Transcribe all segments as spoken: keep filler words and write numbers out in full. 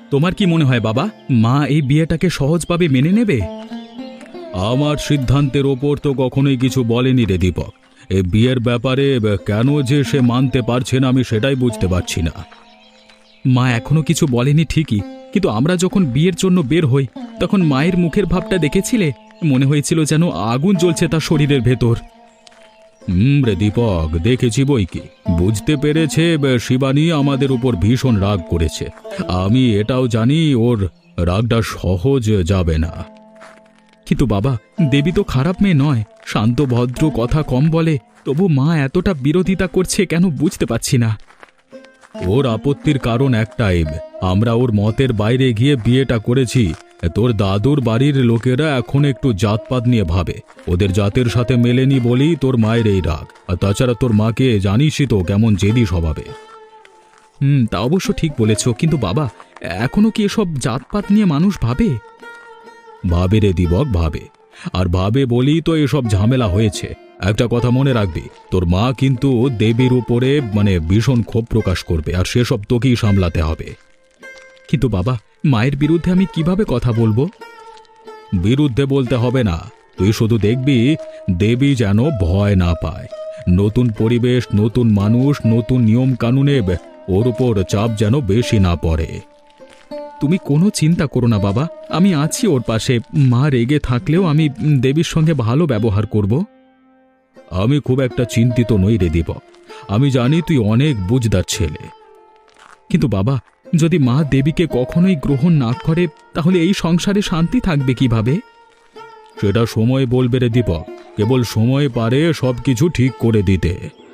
তোমার কি মনে হয় বাবা, মা এই বিয়েটাকে সহজভাবে মেনে নেবে? আমার সিদ্ধান্তের ওপর তো কখনোই কিছু বলেনি রে দীপক। এই বিয়ের ব্যাপারে কেন যে সে মানতে পারছে না আমি সেটাই বুঝতে পারছি না। মা এখনো কিছু বলেনি ঠিকই, কিন্তু আমরা যখন বিয়ের জন্য বের হই তখন মায়ের মুখের ভাবটা দেখেছিলে? মনে হয়েছিল যেন আগুন জ্বলছে তার শরীরের ভেতর। হুম রে দীপক, দেখেছি বই কি। বুঝতে পেরেছে শিবানী আমাদের উপর ভীষণ রাগ করেছে। আমি এটাও জানি ওর রাগটা সহজ যাবে না। কিন্তু বাবা, দেবী তো খারাপ মেয়ে নয়, শান্ত ভদ্র, কথা কম বলে। তবু মা এতটা বিরোধিতা করছে কেন বুঝতে পারছি না। ওর আপত্তির কারণ একটাই, আমরা ওর মতের বাইরে গিয়ে বিয়েটা করেছি। তোর দাদুর বাড়ির লোকেরা এখন একটু জাতপাত নিয়ে ভাবে, ওদের জাতের সাথে মেলেনি বলেই তোর মায়ের এই রাগ। আর তাছাড়া তোর মাকে জানিসই তো কেমন জেদি স্বভাবে। হুম, তা অবশ্য ঠিক বলেছ, কিন্তু বাবা এখনো কি এসব জাতপাত নিয়ে মানুষ ভাবে? ভাবে রে দিবক, ভাবে। আর ভাবে বলেই তো এসব ঝামেলা হয়েছে। একটা কথা মনে রাখবি, তোর মা কিন্তু দেবীর উপরে মানে ভীষণ ক্ষোভ প্রকাশ করবে, আর সেসব তোকেই সামলাতে হবে। কিন্তু বাবা, মায়ের বিরুদ্ধে আমি কিভাবে কথা বলবো? বিরুদ্ধে বলতে হবে না, তুই শুধু দেখবি দেবী যেন ভয় না পায়। নতুন পরিবেশ, নতুন মানুষ, নতুন নিয়ম কানুনে ওর উপর চাপ যেন বেশি না পড়ে। তুমি কোনো চিন্তা করো না বাবা, আমি আছি ওর পাশে। মা রেগে থাকলেও আমি দেবীর সঙ্গে ভালো ব্যবহার করব। আমি খুব একটা চিন্তিত নই রে দীপক, আমি জানি তুই অনেক বুঝদার ছেলে। কিন্তু বাবা, যদি মা দেবীকে কখনোই গ্রহণ না করে তাহলে এই সংসারে শান্তি থাকবে কিভাবে? সেটা সময় বলবে রে দীপক, কেবল সময় পারে সবকিছু ঠিক করে দিতে।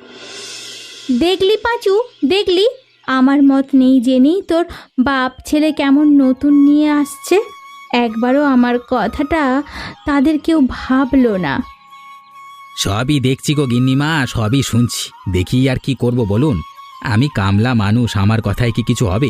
দেখলি পাঁচু, দেখলি আমার মত নেই জেনেই তোর বাপ ছেলে কেমন নতুন নিয়ে আসছে। একবারও আমার কথাটা তাদের কেউ ভাবলো না। সবই দেখছি গো গিন্নিমা, সবই শুনছি। দেখি আর কি করব বলুন। আমি কামলা মানুষ, আমার কথায় কি কিছু হবে?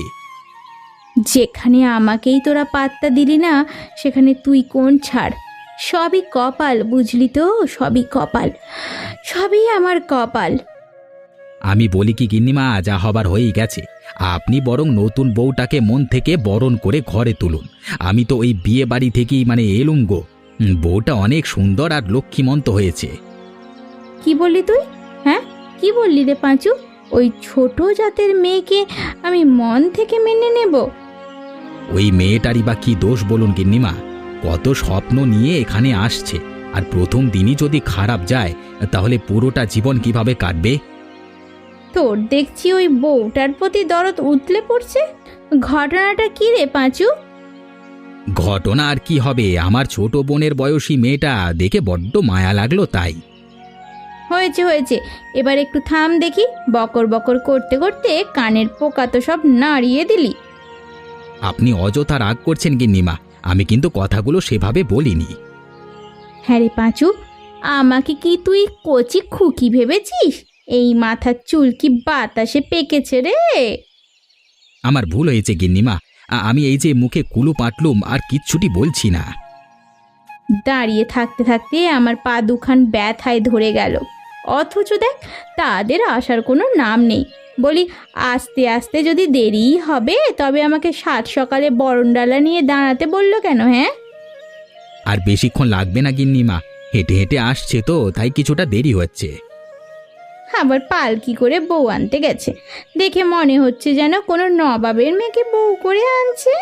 যেখানে আমাকেই তোরা পাত্তা দিলি না, সেখানে তুই কোন ছাড়। সবই কপাল, বুঝলি তো, সবই কপাল, সবই আমার কপাল। আমি বলি কি গিন্নিমা, যা হবার হয়েই গেছে। আপনি বরং নতুন বউটাকে মন থেকে বরণ করে ঘরে তুলুন। আমি তো ওই বিয়ে বাড়ি থেকেই মানে এলুম গো। বউটা অনেক সুন্দর আর লক্ষ্মীমন্ত হয়েছে। কি বললি তুই? হ্যাঁ, কি বললি রে পাঁচু? ওই ছোট জাতের মেয়েকে আমি মন থেকে মেনে নেব? ওই মেয়েটারই বা কি দোষ বলুন গিন্নিমা? কত স্বপ্ন নিয়ে এখানে আসছে, আর প্রথম দিনই যদি খারাপ যায় তাহলে পুরোটা জীবন কিভাবে কাটবে? তোর দেখছি ওই বউটার প্রতি দরদ উতলে পড়ছে। ঘটনাটা কি রে পাঁচু? ঘটনা আর কি হবে, আমার ছোট বোনের বয়সী মেয়েটা দেখে বড্ড মায়া লাগলো তাই। হয়েছে হয়েছে, এবার একটু থাম দেখি। বকর বকর করতে করতে কানের পোকা তো সব নাড়িয়ে দিলি। আপনি অযথা রাগ করছেন গিন্নিমা, আমি কিন্তু কথাগুলো সেভাবে বলিনি। হ্যাঁ রে পাঁচু, আমাকে কি তুই কচি খুকি ভেবেছিস? এই মাথার চুল কি বাতাসে পেকেছে রে? আমার ভুল হয়েছে গিন্নিমা, আ- আমি এই যে মুখে কুলু পাটলুম আর কিচ্ছুটি বলছি না। দাঁড়িয়ে থাকতে থাকতে আমার পা দুখান ব্যথায় ধরে গেল, অথচ দেখ তাদের আসার কোনো নাম নেই। বলি আস্তে আস্তে যদি দেরিই হবে তবে আমাকে সাত সকালে বরণডালা নিয়ে দাঁড়াতে বললো কেন? হ্যাঁ, আর বেশিক্ষণ লাগবে না গিন্নিমা, হেঁটে হেঁটে আসছে তো তাই কিছুটা দেরি হচ্ছে। আবার পালকি করে বউ আনতে গেছে, দেখে মনে হচ্ছে যেন কোনো নবাবের মেয়েকে বউ করে আনছে।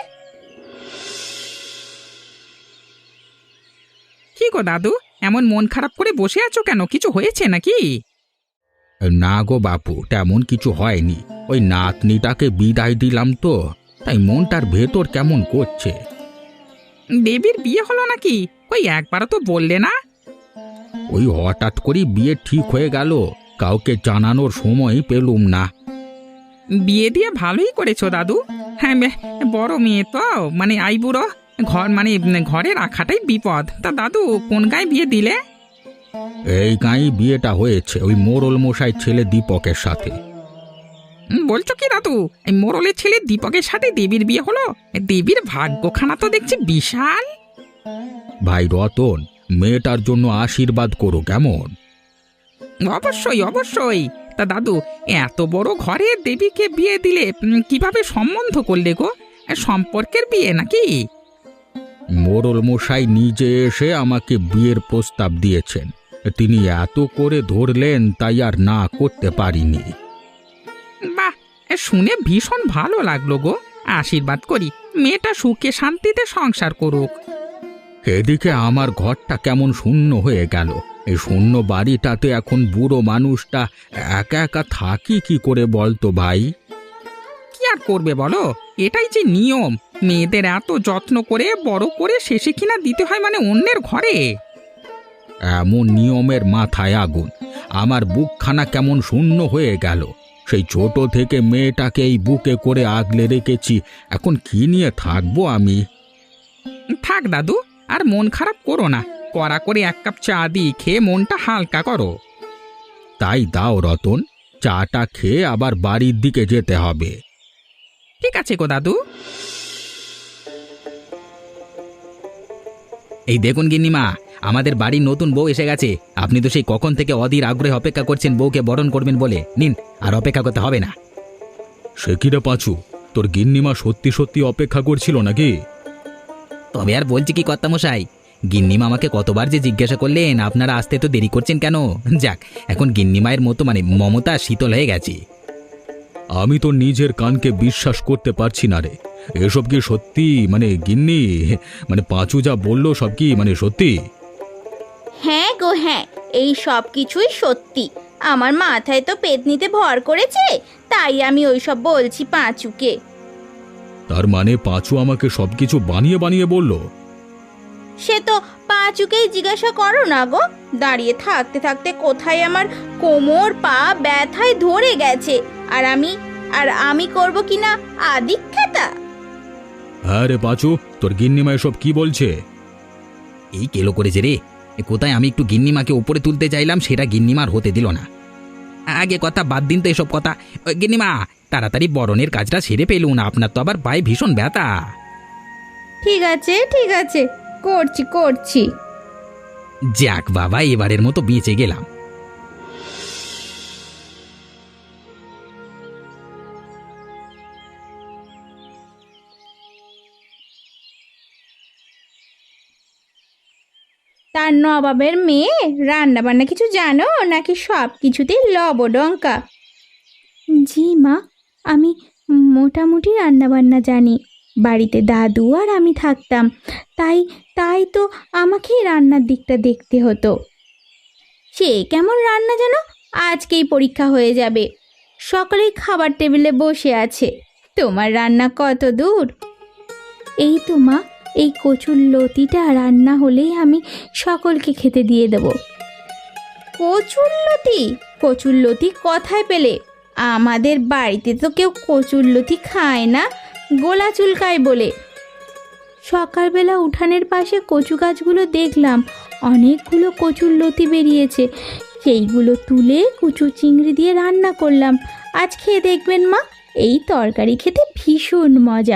কি গো দাদু, এমন মন খারাপ করে বসে আছো কেন? কিছু হয়েছে নাকি? না গো বাপু, তেমন কিছু হয়নি। ওই নাতনিটাকে বিদায় দিলাম তো, তাই মনটার ভেতর কেমন করছে। দেবীর বিয়ে হলো নাকি? কই একবারও তো বললে না। ওই হঠাৎ করে বিয়ে ঠিক হয়ে গেল, কাউকে জানানোর সময় পেলুম না। বিয়ে দিয়ে ভালোই করেছো দাদু। হ্যাঁ, বে- বড় মেয়ে তো, মানে আইবুড়ো ঘর, মানে ঘরে রাখাটাই বিপদ। তা দাদু কোন গায়ে বিয়ে দিলে? এই গাঁয়ে বিয়েটা হয়েছে ওই মোড়ল মশাই ছেলে দীপকের সাথে। উম, বলছো কি দাদু, এই মোড়লের ছেলে দীপকের সাথে দেবীর বিয়ে হলো? দেবীর ভাগ্যখানা তো দেখছি বিশাল। ভাই রতন, মেয়েটার জন্য আশীর্বাদ করো কেমন? অবশ্যই অবশ্যই। তা দাদু, এত বড় ঘরে দেবীকে বিয়ে দিলে উম, কিভাবে সম্বন্ধ করলে গো? সম্পর্কের বিয়ে নাকি? মোড়ল মশাই নিজে এসে আমাকে বিয়ের প্রস্তাব দিয়েছেন। তিনি এত করে ধরলেন তাই আর না করতে পারিনি। বাহ, শুনে ভীষণ ভালো লাগলো গো। আশীর্বাদ করি মেয়েটা সুখে শান্তিতে সংসার করুক। এদিকে আমার ঘরটা কেমন শূন্য হয়ে গেল। এই শূন্য বাড়িটাতে এখন বুড়ো মানুষটা একা একা থাকি কি করে বলতো ভাই? কি আর করবে বলো, এটাই যে নিয়ম। মেয়েদের এত যত্ন করে বড় করে শেষে কিনা দিতে হয় মানে অন্যের ঘরে। এমন নিয়মের মাথায় আগুন। আমার বুকখানা কেমন শূন্য হয়ে গেল। সেই ছোট থেকে মেয়েটাকে এই বুকে করে আগলে রেখেছি, এখন কি নিয়ে থাকবো আমি? থাক দাদু, আর মন খারাপ করো না। কড়া করে এক কাপ চা দিই, খেয়ে মনটা হালকা করো। তাই দাও রতন, চাটা খেয়ে আবার বাড়ির দিকে যেতে হবে। ঠিক আছে গো দাদু। এই দেখুন গিন্নিমা, আমাদের বাড়ির নতুন বউ এসে গেছে। আপনি তো সেই কখন থেকে অধীর আগ্রহে অপেক্ষা করছেন বউকে বরণ করবেন বলে। নিন, আর অপেক্ষা করতে হবে না। সে কি রে পাঁচু, তোর গিন্নিমা সত্যি সত্যি অপেক্ষা করছিল নাকি? তবে আর বলছি কি কর্তামশাই, গিন্নিমা আমাকে কতবার যে জিজ্ঞাসা করলেন আপনারা আসতে তো দেরি করছেন কেন। যাক, এখন গিন্নিমায়ের মতো মানে মমতা শীতল হয়ে গেছে। আমি তো নিজের কানকে বিশ্বাস করতে পারছি না রে। এসব কি সত্যি? মানে গিন্নি, মানে পাঁচু যা বললো সব কি মানে সত্যি? হ্যাঁ গো হ্যাঁ, এই সব কিছুই সত্যি। আমার মাথায় তো পেতনিতে ভর করেছে, তাই আমি ওই সব বলছি পাঁচুকে। তার মানে পাঁচু আমাকে সবকিছু বানিয়ে বানিয়ে বলল? সে তো পাঁচুকেই জিজ্ঞাসা করো না গো। দাঁড়িয়ে থাকতে থাকতে কোথায় আমার কোমর পা ব্যথায় ধরে গেছে, আর আমি আর আমি করব কিনা আদিক্ষেতা। হ্যাঁ রে পাঁচু, তোর গিন্নিমা এসব কি বলছে? এই কেলো করেছে রে। এ কোথায় আমি একটু গিন্নিমাকে উপরে তুলতে চাইলাম, সেটা গিন্নিমার হতে দিল না। আগে কথা বাদ দিন তো এসব কথা। ওই গিন্নিমা, তাড়াতাড়ি বরণের কাজটা সেরে পেলুন, আপনার তো আবার পায়ে ভীষণ ব্যথা। ঠিক আছে ঠিক আছে, করছি করছি। যাক বাবা, এবারের মতো বেঁচে গেলাম। তার নবাবের মেয়ে রান্না বান্না কিছু জানো নাকি সব কিছুতেই লবডঙ্কা? জি মা, আমি মোটামুটি রান্না বান্না জানি। বাড়িতে দাদু আর আমি থাকতাম, তাই তাই তো আমাকেই রান্নার দিকটা দেখতে হতো। সে কেমন রান্না জানো? আজকেই পরীক্ষা হয়ে যাবে। সকলেই খাবার টেবিলে বসে আছে, তোমার রান্না কত দূর? এই তো মা, এই কচুর লতিটা রান্না হলেই আমি সকলকে খেতে দিয়ে দেব। কচুর লতি? কচুর লতি কোথায় পেলে? আমাদের বাড়িতে তো কেউ কচুর লতি খায় না, গোলা চুলকায় বলে। সকালবেলা উঠানের পাশে কচু গাছগুলো দেখলাম, অনেকগুলো কচুর লতি বেরিয়েছে। সেইগুলো তুলে কুচু চিংড়ি দিয়ে রান্না করলাম। আজ খেয়ে দেখবেন মা, এই তরকারি খেতে ভীষণ মজা।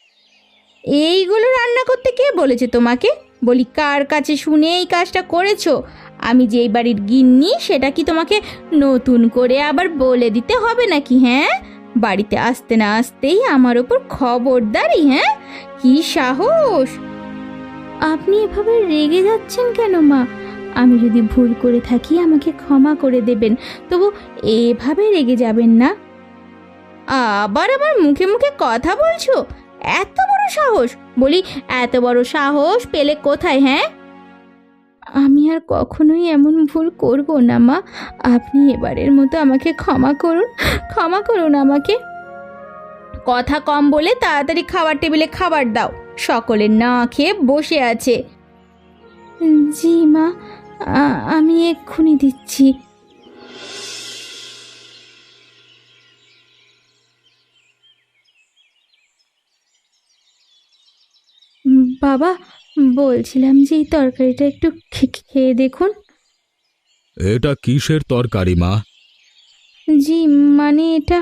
এইগুলো রান্না করতে কে বলেছে তোমাকে? বলি, কার কাছে শুনে এই কাজটা করেছো? আমি যেই বাড়ির গিন্নি সেটা কি তোমাকে নতুন করে আবার বলে দিতে হবে নাকি? হ্যাঁ, বাড়িতে আসতে না আসতেই আমার ওপর খবরদারি? হ্যাঁ, কি সাহস! আপনি এভাবে রেগে যাচ্ছেন কেন মা? আমি যদি ভুল করে থাকি আমাকে ক্ষমা করে দেবেন, তবু এভাবে রেগে যাবেন না। আবার আবার মুখে মুখে কথা বলছো? এত বড় সাহস! বলি, এত বড় সাহস পেলে কোথায়? হ্যাঁ, আমি আর কখনোই এমন ভুল করব না মা। আপনি এবারের মতো আমাকে ক্ষমা করুন, ক্ষমা করুন আমাকে। কথা কম বলে তাড়াতাড়ি খাবার টেবিলে খাবার দাও। সকলে না খেয়ে বসে আছে। জি মা, আমি এক্ষুনি দিচ্ছি। বাবা, বলছিলাম যে এই তরকারিটা একটু খেয়ে দেখুন। এটা কিসের তরকারি মা? জি মানে এটা।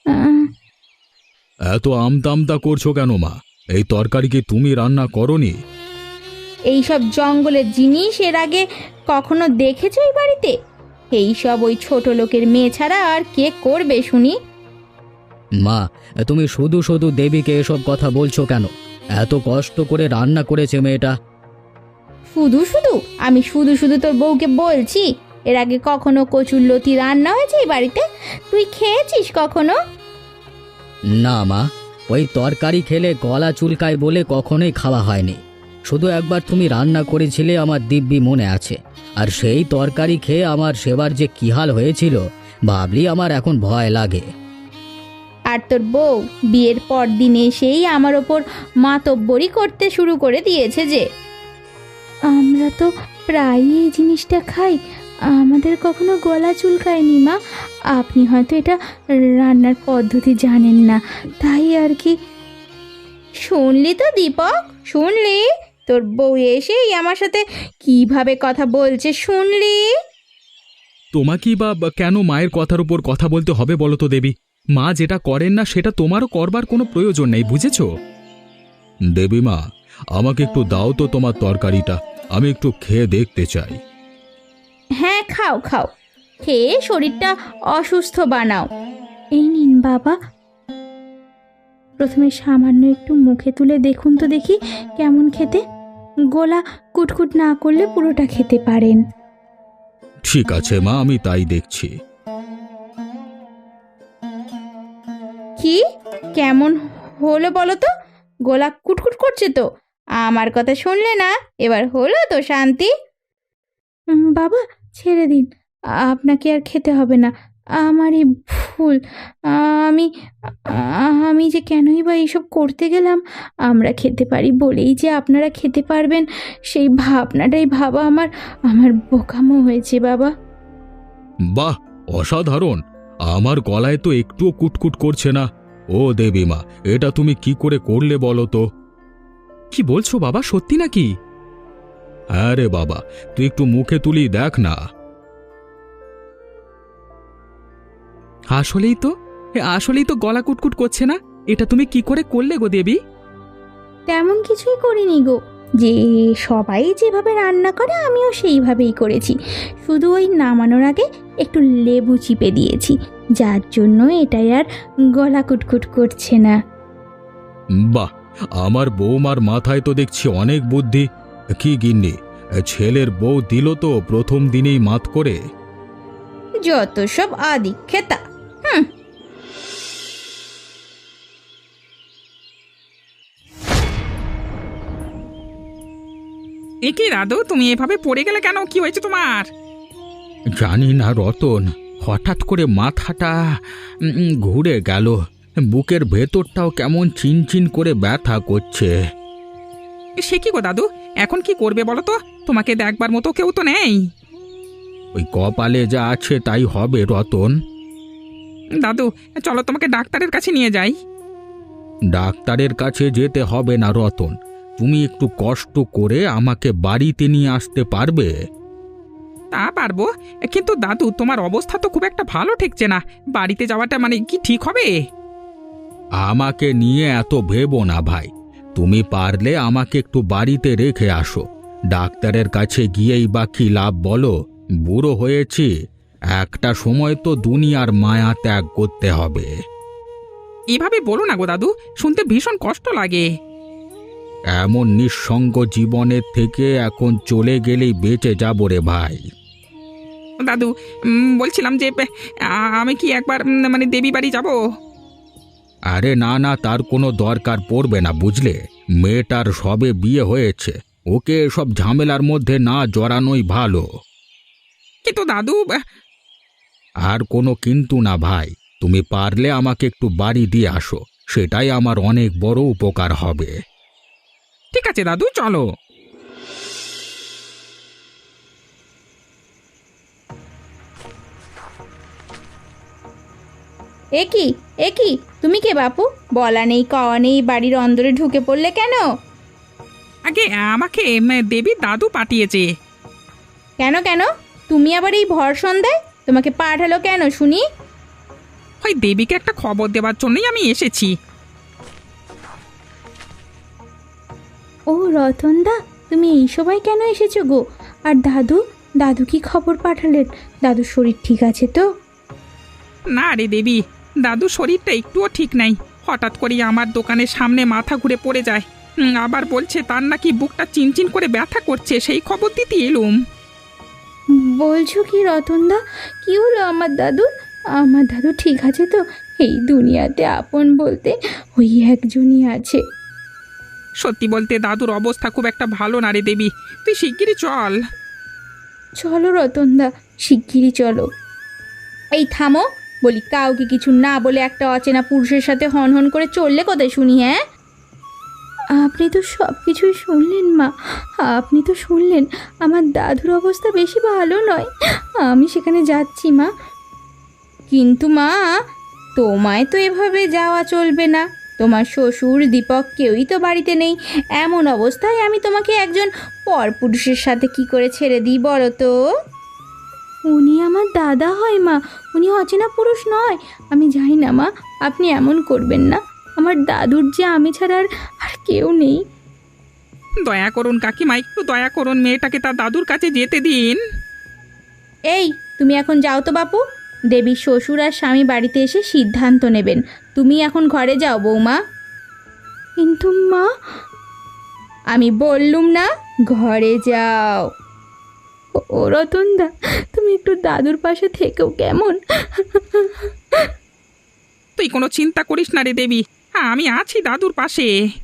এত আমতামতা করছো কেন মা? এই তরকারি কি তুমি রান্না করনি? এই সব জঙ্গলের জিনিস এর আগে কখনো দেখেছো এই বাড়িতে? এই সব ওই ছোট লোকের মেয়ে ছাড়া আর কে করবে শুনি? মা, তুমি শুধু শুধু দেবীকে এসব কথা বলছো কেন? এত কষ্ট করে রান্না করেছে মেয়েটা। শুধু শুধু আমি শুধু শুধু তোর বউকে বলছি? এর আগে কখনো কচুর লতি রান্না হয়েছে এই বাড়িতে? তুই খেয়েছিস কখনো? না মা, ওই তরকারি খেলে গলা চুলকায় বলে কখনোই খাওয়া হয়নি। শুধু একবার তুমি রান্না করেছিলে, আমার দিব্যি মনে আছে। আর সেই তরকারি খেয়ে আমার সেবার যে কি হাল হয়েছিল ভাবলি আমার এখন ভয় লাগে। আর তোর বউ বিয়ের পর দিন এসেই আমার ওপর মাতব্বরি করতে শুরু করে দিয়েছে যে আমরা তো প্রায়ই এই জিনিসটা খাই, আমাদের কখনো গলা চুলকায়নি মা। আপনি হয়তো এটা রান্নার পদ্ধতি জানেন না, তাই আর কি। শুনলি তো দীপক, শুনলি তোর বউ এসেই আমার সাথে কিভাবে কথা বলছে, শুনলি? তোমাকেই বা বা কেন মায়ের কথার উপর কথা বলতে হবে বলো তো দেবী? মা যেটা করেন না সেটা তোমারও করবার কোনো প্রয়োজন নেই, বুঝেছো? দেবী মা, আমাকে একটু দাও তো তোমার তরকারিটা, আমি একটু খেয়ে দেখতে চাই। হ্যাঁ, খাও খাও, খেয়ে শরীরটা অসুস্থ বানাও। এই নিন বাবা। প্রথমে সামান্য একটু মুখে তুলে দেখুন তো দেখি কেমন খেতে। গলা কুটকুট না করলে পুরোটা খেতে পারেন। ঠিক আছে মা, আমি তাই দেখছি। কি কেমন হলো বলো তো? গলা কুটকুট করছে তো? আমার কথা শুনলে না? এবার হলো তো শান্তি? উম, বাবা ছেড়ে দিন, আপনাকে আর খেতে হবে না। আমারই ভুল। আমি আমি যে কেনই বা এইসব করতে গেলাম। আমরা খেতে পারি বলেই যে আপনারা খেতে পারবেন, সেই ভাবনাটাই ভাবা আমার আমার বোকামো হয়েছে বাবা। বাহ, অসাধারণ! আমার গলায় তো একটুও কুটকুট করছে না। ও দেবী মা, এটা তুমি কি করে করলে বলো তো? কি বলছো বাবা, সত্যি নাকি? হ্যাঁ রে বাবা, তুই একটু মুখে তুলি দেখ না। আসলেই তো, আসলেই তো গলা কুটকুট করছে না। এটা তুমি কি করে করলে গো দেবী? তেমন কিছুই করিনি গো, যে সবাই যেভাবে রান্না করে আমিও সেইভাবেই করেছি। শুধু ওই নামানোর আগে একটু লেবু চিপে দিয়েছি, যার জন্য এটাই আর গলা কুটকুট করছে না। বাহ, আমার বৌমার মাথায় তো দেখছি অনেক বুদ্ধি। কি গিন্নি, ছেলের বউ দিল তো প্রথম দিনেই মাত করে। যত সব আদি খেতা। হুম। এ কি দাদু, তুমি এভাবে পড়ে গেলে কেন? কি হয়েছে তোমার? জানি না রতন, হঠাৎ করে মাথাটা উম, ঘুরে গেল। বুকের ভেতরটাও কেমন চিনচিন করে ব্যথা করছে। সে কি গো দাদু, এখন কি করবে বলো তো? তোমাকে দেখবার মতো কেউ তো নেই। ওই কপালে যা আছে তাই হবে রতন। দাদু চলো তোমাকে ডাক্তারের কাছে নিয়ে যাই। ডাক্তারের কাছে যেতে হবে না রতন, তুমি একটু কষ্ট করে আমাকে বাড়িতে নিয়ে আসতে পারবে? তা পারবো, কিন্তু দাদু তোমার অবস্থা তো খুব একটা ভালো ঠেকছে না। বাড়িতে যাওয়াটা মানে কি ঠিক হবে? আমাকে নিয়ে এত ভেবো না ভাই, তুমি পারলে আমাকে একটু বাড়িতে রেখে আসো। ডাক্তারের কাছে গিয়েই বা কি লাভ বলো? বুড়ো হয়েছি, একটা সময় তো দুনিয়ার মায়া ত্যাগ করতে হবে। এভাবে বলো না গো দাদু, শুনতে ভীষণ কষ্ট লাগে। এমন নিঃসঙ্গ জীবনের থেকে এখন চলে গেলেই বেঁচে যাবো রে ভাই। দাদু উম, বলছিলাম যে আ- আমি কি একবার উম, মানে দেবী বাড়ি যাব? আরে না না, তার কোনো দরকার পড়বে না বুঝলে। মেয়েটার সবে বিয়ে হয়েছে, ওকে সব ঝামেলার মধ্যে না জড়ানোই ভালো। কিন্তু দাদু আহ, আর কোনো কিন্তু না ভাই, তুমি পারলে আমাকে একটু বাড়ি দিয়ে আসো, সেটাই আমার অনেক বড় উপকার হবে। ঠিক আছে দাদু, চলো। এ কি এ কি, তুমি কে বাপু? বলা নেই কওয়া নেই বাড়ির অন্দরে ঢুকে পড়লে কেন? আগে আমাকে উম, দেবী দাদু পাঠিয়েছে। কেন কেন? তুমি আবার এই ভর সন্ধ্যায় তোমাকে পাঠালো কেন শুনি? ওই দেবীকে একটা খবর দেওয়ার জন্যই আমি এসেছি। ও রতনদা, তুমি এই সময় কেন এসেছো গো? আর দাদু, দাদু কি খবর পাঠালেন? দাদুর শরীর ঠিক আছে তো? না রে দেবী, দাদু শরীরটা একটুও ঠিক নাই। হঠাৎ করে আমার দোকানের সামনে মাথা ঘুরে পড়ে যায়। হুম, আবার বলছে তার নাকি বুকটা চিনচিন করে ব্যথা করছে, সেই খবর দিতে এলুম। বলছো কি রতনদা? কি হলো আমার দাদুর? আমার দাদু ঠিক আছে তো? এই দুনিয়াতে আপন বলতে ওই একজনই আছে। সত্যি বলতে দাদুর অবস্থা খুব একটা ভালো না রে দেবী, তুই শিগগিরই চল। চলো রতনদা, শিগগিরই চলো। এই থামো বলি, কাউকে কিছু না বলে একটা অচেনা পুরুষের সাথে হন হন করে চললে কোথায় শুনি? হ্যাঁ, আপনি তো সব কিছুই শুনলেন মা, আপনি তো শুনলেন আমার দাদুর অবস্থা বেশি ভালো নয়। আমি সেখানে যাচ্ছি মা। কিন্তু মা, তোমায় তো এভাবে যাওয়া চলবে না। তোমার শ্বশুর দীপক কেউই তো বাড়িতে নেই। এমন অবস্থায় আমি তোমাকে একজন পরপুরুষের সাথে কি করে ছেড়ে দিই বলো তো? উনি আমার দাদা হয় মা, উনি অচেনা পুরুষ নয়। আমি যাই না মা, আপনি এমন করবেন না। আমার দাদুর যে আমি ছাড়া আর আর কেউ নেই। দয়া করুন কাকিমা, একটু দয়া করুন, মেয়েটাকে তার দাদুর কাছে যেতে দিন। এই, তুমি এখন যাও তো বাপু। দেবীর শ্বশুর আর স্বামী বাড়িতে এসে সিদ্ধান্ত নেবেন। তুমি এখন ঘরে যাও বৌমা। কিন্তু মা, আমি বললুম না ঘরে যাও। ও রতনদা, তুমি একটু দাদুর পাশে থেকেও কেমন? তুই কোনো চিন্তা করিস না রে দেবী, হ্যাঁ আমি আছি দাদুর পাশে।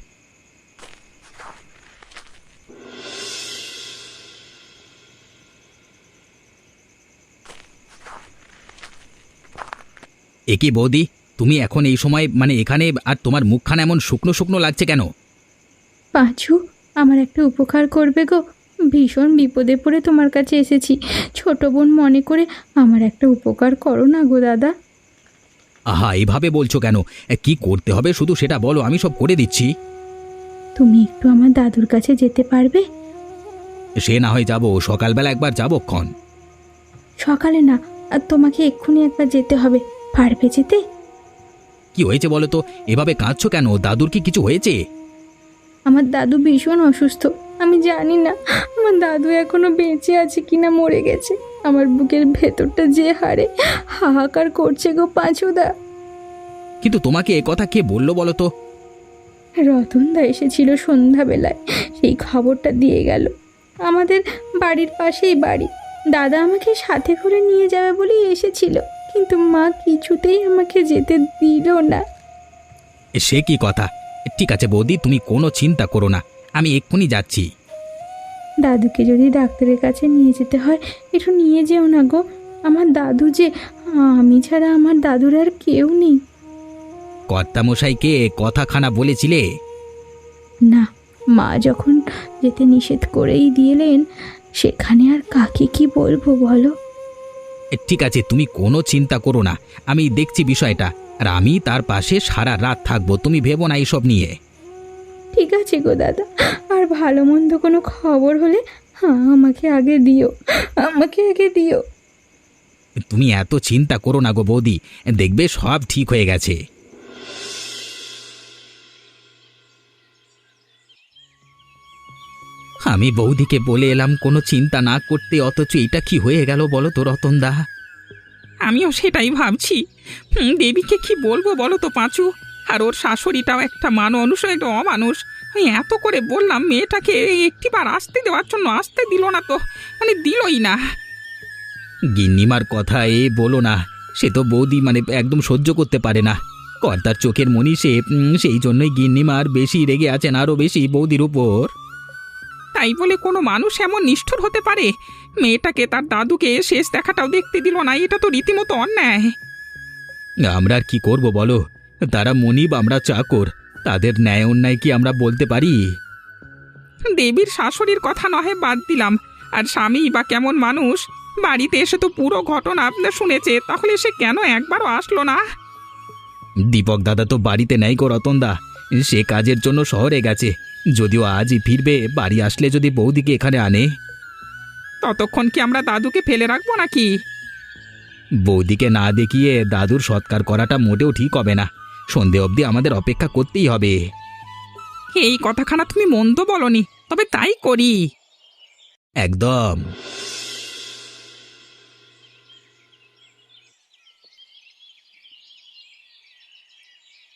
এ কি বৌদি, তুমি এখন এই সময় মানে এখানে, আর তোমার মুখখানা এমন শুকনো শুকনো লাগছে কেন? পাঁচু, আমার একটা উপকার করবে গো? ভীষণ বিপদে পড়ে তোমার কাছে এসেছি। ছোট বোন মনে করে আমার একটা উপকার করো না গো দাদা। আহা, এইভাবে বলছো কেন? এ, কি করতে হবে শুধু সেটা বলো, আমি সব করে দিচ্ছি। তুমি একটু আমার দাদুর কাছে যেতে পারবে? সে না হয় যাবো, সকালবেলা একবার যাবো ক্ষণ। সকালে না, আর তোমাকে এক্ষুনি একবার যেতে হবে। পারবে যেতে? কি হয়েছে বলো তো? এভাবে কাঁদছো কেন? দাদুর কি কিছু হয়েছে? আমার দাদু ভীষণ অসুস্থ। আমি জানি না আমার দাদু এখনো বেঁচে আছে কিনা মরে গেছে। আমার বুকের ভেতরটা যে হারে হাহাকার করছে গো পাঁচুদা। কিন্তু তোমাকে এ কথা কে বললো বলো তো? রতনদা এসেছিল সন্ধ্যাবেলায়, সেই খবরটা দিয়ে গেল। আমাদের বাড়ির পাশেই বাড়ি। দাদা আমাকে সাথে করে নিয়ে যাবে বলেই এসেছিল, কিন্তু মা কিছুতেই আমাকে যেতে দিল না। এ, সে কি কথা? ঠিক আছে বৌদি, তুমি কোনো চিন্তা করো না, আমি এক্ষুনি যাচ্ছি। দাদুকে যদি ডাক্তারের কাছে নিয়ে যেতে হয়, একটু নিয়ে যেও না গো। আমার দাদু যে, আমি ছাড়া আমার দাদুর আর কেউ নেই। কর্তামশাইকে কথাখানা বলেছিলে? না, মা যখন যেতে নিষেধ করেই দিলেন, সেখানে আর কাকে কি বলবো বলো? এ, ঠিক আছে, তুমি কোনো চিন্তা করো না, আমি দেখছি বিষয়টা, আর আমি তার পাশে সারা রাত থাকবো, তুমি ভেবো না এইসব নিয়ে। ঠিক আছে গো দাদা, আর ভালো মন্দ কোনো খবর হলে হ্যাঁ আমাকে আগে দিও, আমাকে আগে দিও। তুমি এত চিন্তা করো না গো বৌদি, দেখবে সব ঠিক হয়ে গেছে। আমি বৌদিকে বলে এলাম কোনো চিন্তা না করতে, অথচ এটা কি হয়ে গেল বলো তো রতনদা? আমিও সেটাই ভাবছি। হুম, দেবীকে কি বলবো বলো তো পাঁচু? আর ওর শাশুড়িটাও একটা মানুষ, একটা অমানুষ। আমি এত করে বললাম মেয়েটাকে একটিবার আসতে দেওয়ার জন্য, আসতে দিল না তো, মানে দিলই না। গিন্নিমার কথা এ বলো না, সে তো বৌদি মানে একদম সহ্য করতে পারে না। কর্তার চোখের মনি সে, উম, সেই জন্যই গিন্নিমার বেশি রেগে আছেন, আরও বেশি বৌদির উপর। তাই বলে কোনো মানুষ এমন নিষ্ঠুর হতে পারে? মেয়েটাকে তার দাদুকে শেষ দেখাটাও দেখতে দিল না, এটা তো রীতিমতো অন্যায়। আমরা আর কি করব বলো? তারা মনিব, আমরা চাকর, তাদের ন্যায় অন্যায় কি আমরা বলতে পারি? দেবীর শাশুড়ির কথা নহে বাদ দিলাম, আর স্বামী বা কেমন মানুষ? বাড়িতে এসে তো পুরো ঘটনা আপনার শুনেছে, তাহলে সে কেন একবারও আসলো না? দীপক দাদা তো বাড়িতে নেই গো রতনদা, সে কাজের জন্য শহরে গেছে। যদিও আজই ফিরবে, বাড়ি আসলে যদি বৌদিকে এখানে আনে। ততক্ষণ কি আমরা দাদুকে ফেলে রাখবো নাকি? বৌদিকে না দেখিয়ে দাদুর সৎকার করাটা মোটেও ঠিক হবে না। সন্ধে অবধি আমাদের অপেক্ষা করতেই হবে। এই কথাখানা তুমি মন্দ বলনি, তবে তাই করি। একদম।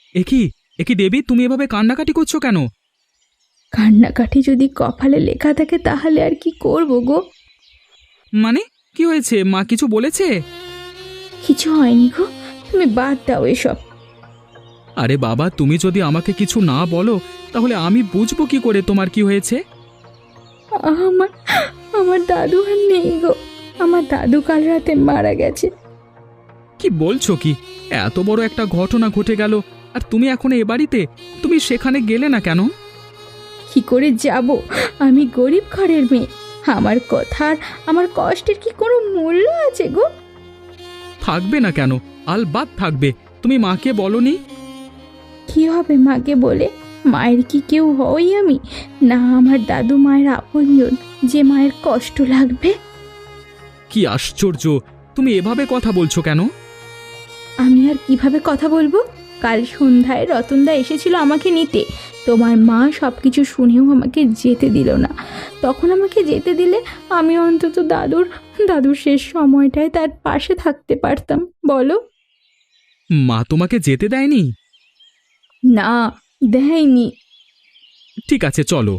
এ কি এ কি দেবী, তুমি এভাবে কান্নাকাটি করছো কেন? কান্নাকাটি যদি কপালে লেখা থাকে তাহলে আর কি করব গো। মানে কি হয়েছে? মা কিছু বলেছে? কিছু হয়নি গো, তুমি বাদ দাও এসব। আরে বাবা, তুমি যদি আমাকে কিছু না বলো তাহলে আমি বুঝবো কি করে তোমার কি হয়েছে? আমার আমার দাদু আর নেই গো, আমার দাদু কাল রাতে মারা গেছে। কি বলছো কি? এত বড় একটা ঘটনা ঘটে গেল আর তুমি এখন এ বাড়িতে, তুমি সেখানে গেলে না কেন? কি করে যাব? আমি গরিব ঘরের মেয়ে, আমার কথার আমার কষ্টের কি কোনো মূল্য আছে গো? থাকবে না কেন? আলবাত থাকবে। তুমি মাকে বলনি? কি হবে মাকে বলে? মায়ের কি কেউ হই আমি? না আমার দাদু মায়ের আপনজন যে মায়ের কষ্ট লাগবে। কি আশ্চর্য, তুমি এভাবে কথা বলছো কেন? আমি আর কিভাবে কথা বলবো? কাল সন্ধ্যায় রতনদা এসেছিল আমাকে নিতে, তোমার মা সব কিছু শুনেও আমাকে যেতে দিল না। তখন আমাকে যেতে দিলে আমি অন্তত দাদুর দাদুর শেষ সময়টায় তার পাশে থাকতে পারতাম, বলো? মা তোমাকে যেতে দেয়নি? না, দেয়নি। ঠিক আছে, চলো।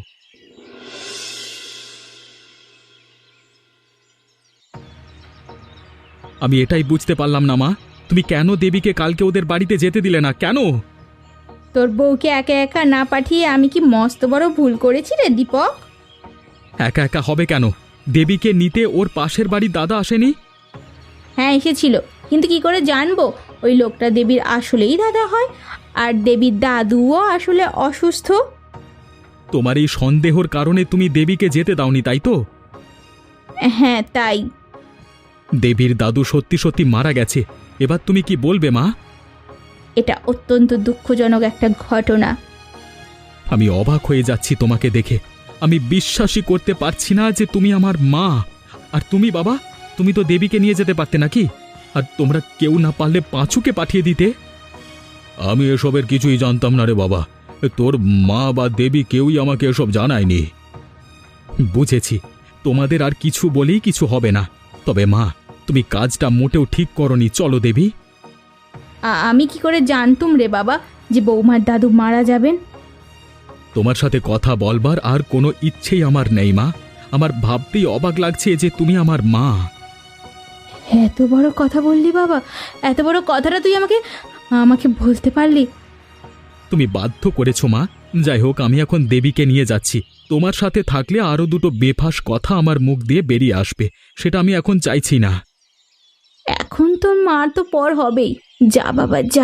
আমি এটাই বুঝতে পারলাম না মা, তুমি কেন দেবীকে কালকে ওদের বাড়িতে যেতে দিলে না কেন? তোর বউকে একা একা না পাঠিয়ে আমি কি মস্ত বড় ভুল করেছি রে দীপক? একা একা হবে কেন? দেবীকে নিতে ওর পাশের বাড়ির দাদা আসেনি? হ্যাঁ এসেছিল, কিন্তু কি করে জানবো ওই লোকটা দেবীর আসলেই দাদা হয় আর দেবীর দাদুও আসলে অসুস্থ? তোমার এই সন্দেহর কারণে তুমি দেবীকে যেতে দাওনি, তাই তো? হ্যাঁ তাই। দেবীর দাদু সত্যি সত্যি মারা গেছে, এবার তুমি কি বলবে মা? এটা অত্যন্ত দুঃখজনক একটা ঘটনা। আমি অবাক হয়ে যাচ্ছি তোমাকে দেখে। আমি বিশ্বাসই করতে পারছি না যে তুমি আমার মা। আর তুমি বাবা, তুমি তো দেবীকে নিয়ে যেতে পারতে নাকি? আর তোমরা কেউ না পারলে পাঁচুকে পাঠিয়ে দিতে। আমি এসবের কিছুই জানতাম না রে বাবা, তোর মা বা দেবী কেউই আমাকে এসব জানায়নি। বুঝেছি, তোমাদের আর কিছু বলেই কিছু হবে না। তবে মা, তুমি কাজটা মোটেও ঠিক করনি। চলো দেবী। আ- আমি কি করে জানতুম রে বাবা যে বৌমার দাদু মারা যাবেন? তোমার সাথে কথা বলবার আর কোনো ইচ্ছেই আমার নেই মা। আমার ভাবতেই অবাক লাগছে যে তুমি আমার মা। এত বড় কথা বললি বাবা, এত বড় কথাটা তুই আমাকে আমাকে বলতে পারলি? তুমি বাধ্য করেছো মা। যাই হোক, আমি এখন দেবীকে নিয়ে যাচ্ছি। তোমার সাথে থাকলে আরো দুটো বেফাস কথা আমার মুখ দিয়ে বেরিয়ে আসবে, সেটা আমি এখন চাইছি না। এখন তোর মার তো পর হবেই। যা বাবা যা।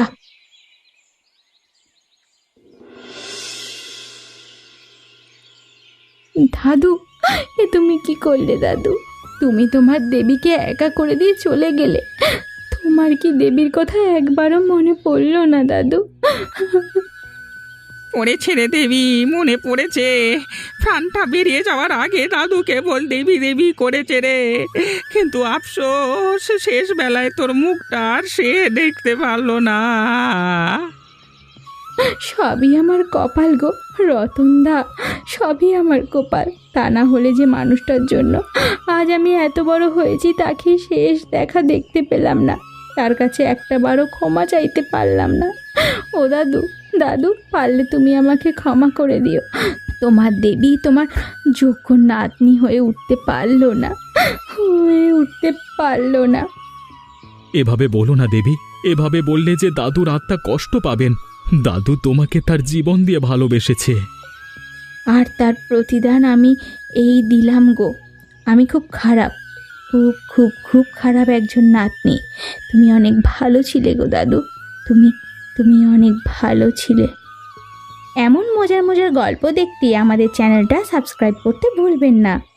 দাদু, এ তুমি কি করলে দাদু? তুমি তোমার দেবীকে একা করে দিয়ে চলে গেলে। তোমার কি দেবীর কথা একবারও মনে পড়লো না দাদু? পড়েছে রে দেবী, মনে পড়েছে। প্রাণটা বেরিয়ে যাওয়ার আগে দাদু কেবল দেবী দেবী করেছে রে। কিন্তু আফসোস, শেষ বেলায় তোর মুখটা আর সে দেখতে পারলো না। সবই আমার কপাল গো রতনদা, সবই আমার কপাল। তা না হলে যে মানুষটার জন্য আজ আমি এত বড় হয়েছি তাকে শেষ দেখা দেখতে পেলাম না, তার কাছে একটা বারও ক্ষমা চাইতে পারলাম না। ও দাদু, দাদু পারলে তুমি আমাকে ক্ষমা করে দিও। তোমার দেবী তোমার যোগ্য নাতনি হয়ে উঠতে পারলো না, হয়ে উঠতে পারলো না। এভাবে বলো না দেবী, এভাবে বললে যে দাদুর আত্মা কষ্ট পাবেন। দাদু তোমাকে তার জীবন দিয়ে ভালোবেসেছে। আর তার প্রতিদান আমি এই দিলাম গো। আমি খুব খারাপ, খুব খুব খুব খারাপ একজন নাতনি। তুমি অনেক ভালো ছিলে গো দাদু, তুমি তুমি অনেক ভালো ছিলে। এমন মজার মজার গল্প দেখতে আমাদের চ্যানেলটা সাবস্ক্রাইব করতে ভুলবেন না।